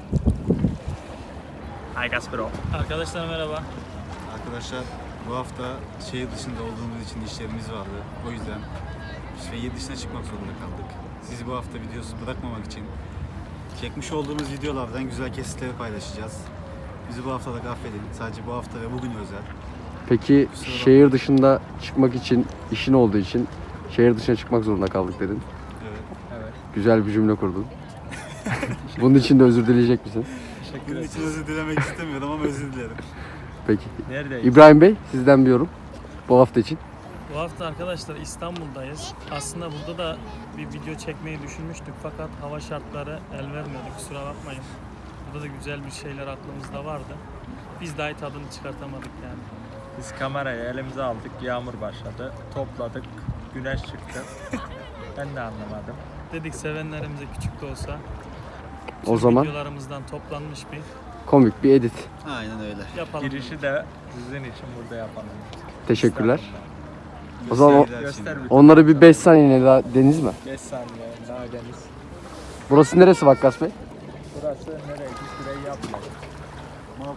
Hi Gaspero. Arkadaşlar merhaba. Arkadaşlar bu hafta şehir dışında olduğumuz için işlerimiz vardı. O yüzden şehir dışına çıkmak zorunda kaldık. Sizi bu hafta videosuz bırakmamak için çekmiş olduğumuz videolardan güzel kesitleri paylaşacağız. Bizi bu haftalık affedin. Sadece bu hafta ve bugün özel. Peki şehir dışında çıkmak için, işin olduğu için şehir dışına çıkmak zorunda kaldık dedin. Evet. Güzel bir cümle kurdun. Bunun için de özür dileyecek misin? Bunun için özür dilemek istemiyorum ama özür dilerim. Peki. Neredeyiz? İbrahim Bey, sizden bir yorum bu hafta için. Bu hafta arkadaşlar İstanbul'dayız. Aslında burada da bir video çekmeyi düşünmüştük fakat hava şartları el vermedi, kusura bakmayın. Burada da güzel bir şeyler aklımızda vardı. Biz dahi tadını çıkartamadık yani. Biz kamerayı elimize aldık, yağmur başladı. Topladık, güneş çıktı. Ben de anlamadım. Dedik sevenlerimize küçük de olsa O zaman videolarımızdan toplanmış bir komik bir edit. Aynen öyle. yapalım. Girişi de sizin için burada yapalım. Teşekkürler. İstanbul'da. O zaman Göster bir onları bir 5 saniye daha deniz mi? 5 saniye daha deniz. Burası neresi Vakkas Bey? Burası nereye? Şurayı yapmak. Maltepe.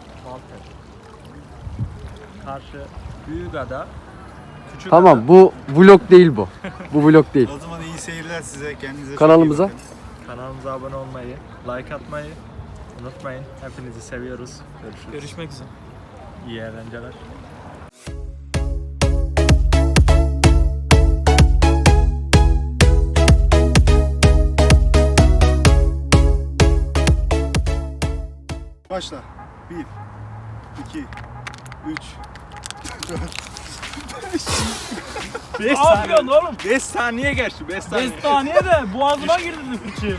Karşı Büyükada. Küçükada. Tamam, bu vlog değil bu. Bu vlog değil. O zaman iyi seyirler size. Kendinize Kanalımıza. çok iyi bakın. Kanalımıza abone olmayı, like atmayı unutmayın. Hepinizi seviyoruz. Görüşürüz. Görüşmek üzere. İyi eğlenceler. Başla. 1, 2, 3, 4, 5 saniye oğlum. 5 saniye geçti. 5 saniye. 5 saniye de boğazıma girdi fıçı.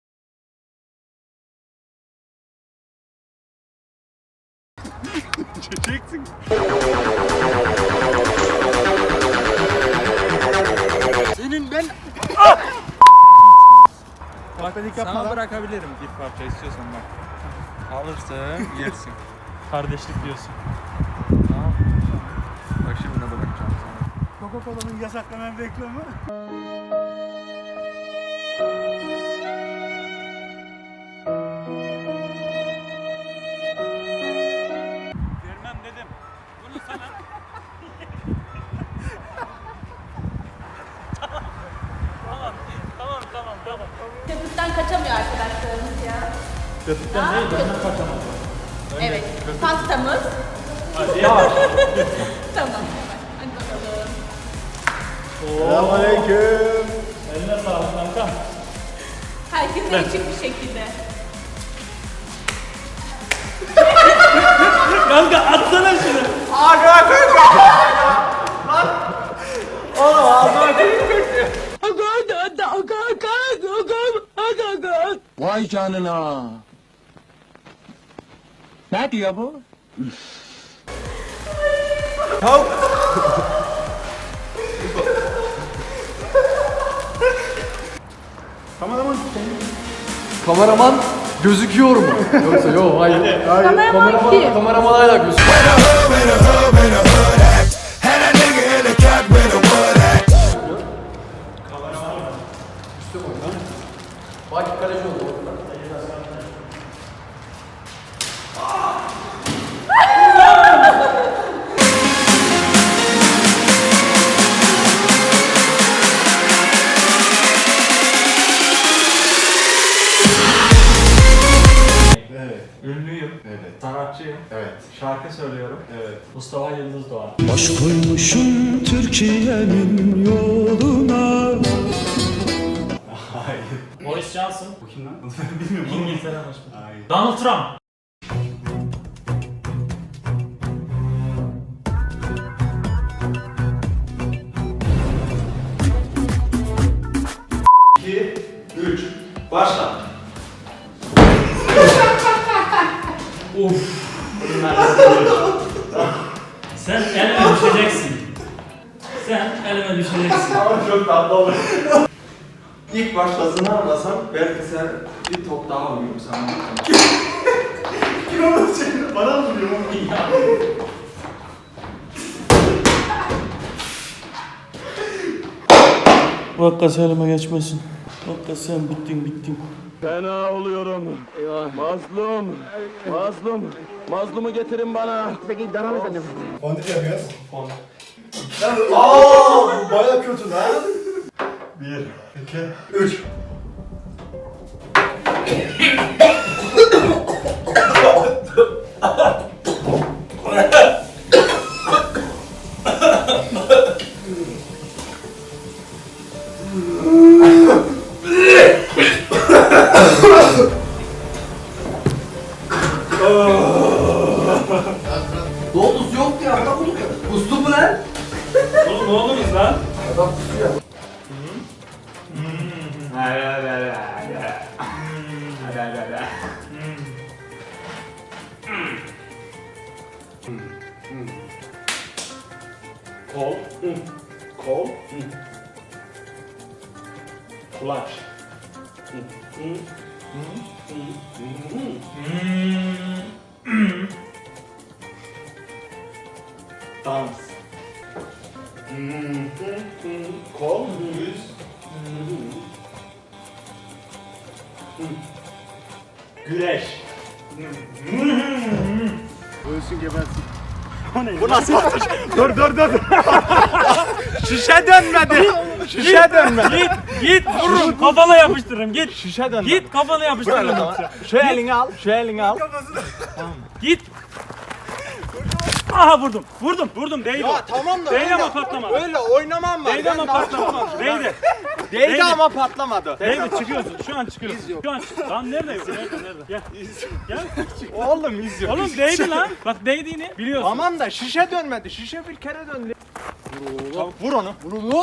Çekeceksin. Senin ben Bak ben sana bırakabilirim bir parça istiyorsan bak. Alırsın, yersin. Kardeşlik diyorsun. Tamam. Bak şimdi ne bırakacağım sana. Coca-Cola'nın yasaklanan reklamı. Vermem dedim. Bunu sana. Tamam. Köpükten kaçamıyor arkadaşlarımız ya. Köpükten değil, benden kaçamaz. Evet. Pastamız. Yavaş. Tamam. Hadi bakalım. Selamünaleyküm. Eline sağlık kanka. Herkese açık bir şekilde. Kanka atsana şunu. Vay canına. Ne diyor bu? Kameraman gözüküyor mu? Yoksa yok, hayır. Kameraman kim? Kameraman hala gözüküyor. Bak kaleci oldu. Ünlüyüm. Evet. Sanatçıyım. Evet. Şarkı söylüyorum. Evet. Mustafa Yıldız Doğan. Baş koymuşum Türkiye'nin yoluna. Boris Johnson. Bu kim lan? Bunu ben bilmiyorum. İngiltere başkanı. Hayır. Donald Trump. Başla. Sen elime düşeceksin. Sen elime düşeceksin. Ama çok tatlı olur. İlk başta zınarlasam belki sen bir top daha alıyorum sana. Kim onu senin? Bana mı vuruyor? Vakkas elime geçmesin. Vakkas sen bittin. Fena oluyorum. Mazlum. Mazlumu getirin bana. Peki devam edelim. Fondip yapıyoruz. Aaa! Baya kötü lan. 1, 2, 3. Doğrusu yok ya. Adam bunu kustu mu lan? Oğlum ne oluruz lan? Adam kustu ya. Kol. Kol. Kulaç. Dans. Kol. Yüz. Güreş. Ölsün gebersin. Bu nasıl atış? Dur. Şişe dönmedi. Şişe dönmedi. Git vururum kafana yapıştırırım git. Şişe dönmedi. Git kafana yapıştırırım. Şu elini al. Şu elini al. Git. Aha vurdum değdi. Ya tamam da Değdi öyle, ama patlamadı. öyle oynamam var. Değdi ama patlamadı. Değdi. Değdi ama patlamadı. Değdi çıkıyorsun. Şu an çıkıyorsun. Şu an lan nerede yok? Nerede? Gel. Gel. Oğlum iz yok. Oğlum değdi lan. Bak değdiğini biliyorsun. Tamam da şişe dönmedi. Şişe bir kere döndü. Vur onu.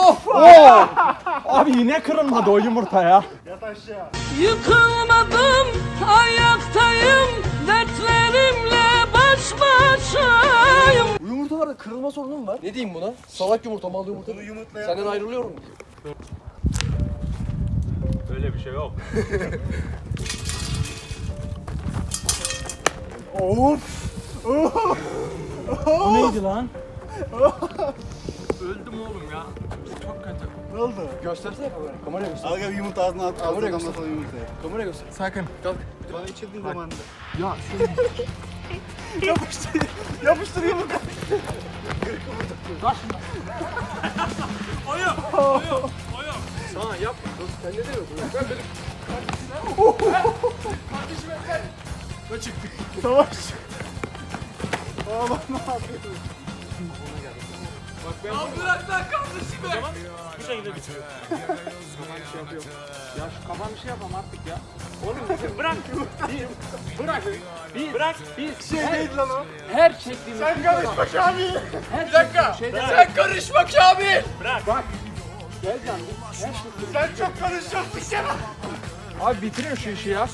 Abi yine kırılmadı o yumurta ya. Yıkılmadım, ayaktayım, dertlerimle baş başayım. Bu yumurtalarda kırılma sorunu mu var? Ne diyeyim buna? Salak yumurta, mal yumurta. Senden ayrılıyorum. Öyle bir şey yok. Bu neydi lan? Öldüm oğlum ya. Çok kötü. Ne oldu? Göstersene kameraya. Kameraya göster. Al gel yumurta ağzına at. Kameraya Ağzına göster. damlatalım yumurtayı. Kameraya göster. Sakın. Kalk. Bana içirdiğin zamanında. Yapıştır yumurta. Sana yap. Sen ne diyorsun? Ben benim. Savaş. Oğlum ne yapıyorsun? Bu şekilde bitiyor. Ya şu kafam bir şey yapam artık ya. Bırak. Bırak. Şey değil lan o. Her çektiğimiz. Sen karışma Kamil. Bir dakika. Sen karışma Kamil. Bırak. Gel canım. Sen çok karışacaksın Kenan. Abi bitirin şu işi ya.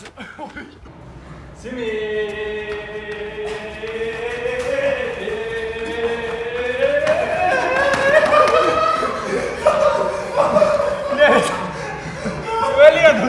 Ölüyordun.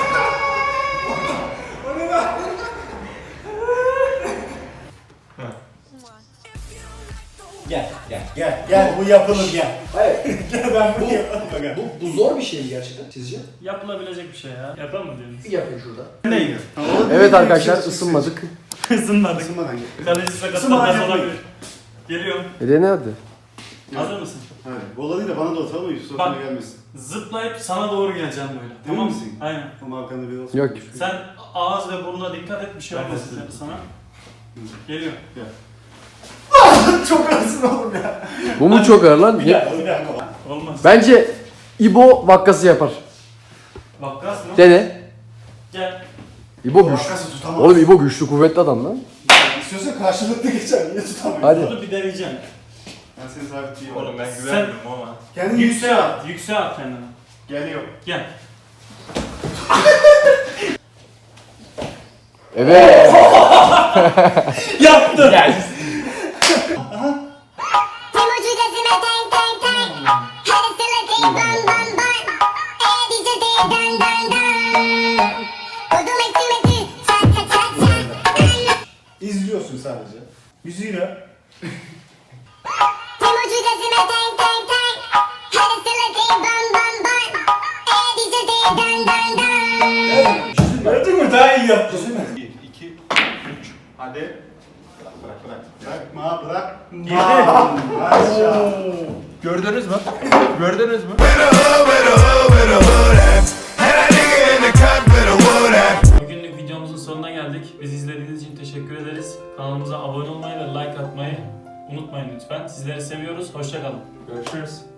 Gel bu yapılır gel. Hayır. Gel ben bunu yapalım. Gel. Bu zor bir şey mi gerçekten sizce? Yapılabilecek bir şey ya. Yapalım mı diyorsunuz? Bir yapın şurada. Evet arkadaşlar ısınmadık. Isınmadık. Isınmadan gel. Kaleci sakatlanmaz olabilir. Geliyorum. Ne hadi? Hazır mısın? Hayır. Bola değil de bana da atalım mı? Yusuf Bak. sana gelmesin. Zıplayıp sana doğru geleceğim böyle. Emin Tamam misin? Aynen. Ama arkanda bir olsun. Yok. Sen ağız ve burnuna dikkat et bir şey olmasın sana. Geliyor. Çok arasın oğlum ya. Bu mu çok ağır lan? Bir dakika. Olmaz. Bence İbo vakkası yapar. Vakkas mı? Dene. Gel. İbo güçlü. Arkası tutamaz. Oğlum İbo güçlü kuvvetli adam lan. İstiyorsan karşılıklı geçer. Niye tutamıyorsun? Hadi. Bunu bir deneyeceğim. Ben seni sabitleyeyim. Oğlum ben Sen güvenmiyorum ama. Kendini yükseğe at. Yükseğe at kendini. Geliyor. Gel. Evet. Yaptın. İzliyorsun sadece. Müziğiyle. daha iyi yaptın değil mi? 1, 2, 3. Hadi. Bırak. Bırakma, bırak. Maşallah. Gördünüz mü? Gördünüz mü? Bugünlük videomuzun sonuna geldik. Bizi izlediğiniz için teşekkür ederiz. Kanalımıza abone olmayı ve like atmayı unutmayın lütfen. Sizleri seviyoruz. Hoşça kalın. Görüşürüz.